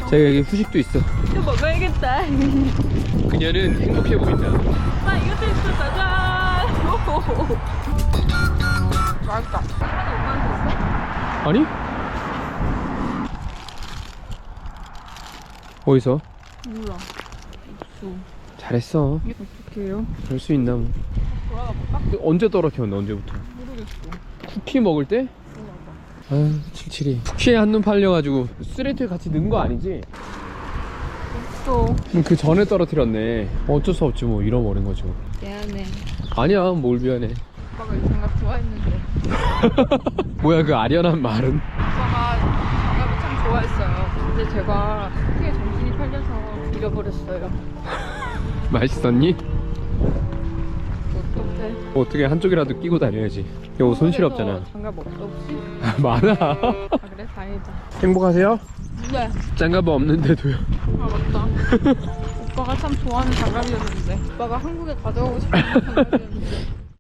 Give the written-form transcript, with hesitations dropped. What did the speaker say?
자기 여기 후식도 있어. 이거 먹어야겠다. 그녀는 행복해 보인다. 아 이것도 있어. 짜잔. 오호호. 맛있다. 하나 엄마한테 있어? 아니? 어디서? 몰라. 없어. 잘했어. 어떡해요? 별 수 있나 뭐. 돌아가 볼까? 언제 떨어뜨렸나 언제부터? 모르겠어. 쿠키 먹을 때? 올라가. 아유 칠칠이. 쿠키에 한눈 팔려가지고 쓰레기에 같이 넣은 거 아니지? 또 그 전에 떨어뜨렸네. 어쩔 수 없지 뭐 잃어버린 거죠. 미안해. 아니야 뭘 미안해. 오빠가 이 장갑 좋아했는데. 뭐야 그 아련한 말은? 오빠가 장갑을 참 좋아했어요. 근데 제가 크게 정신이 팔려서 잃어버렸어요. 맛있었니? 어떡해. 어떻게 한쪽이라도 끼고 다녀야지. 이거 손실없잖아. 한국에서 장갑 없어 혹시? 많아. 아 그래? 다행이다. 행복하세요? 네. 장갑 없는데도요. 아 맞다. 오빠가 참 좋아하는 장갑이었는데. 오빠가 한국에 가져가고 싶은 장갑이었는데.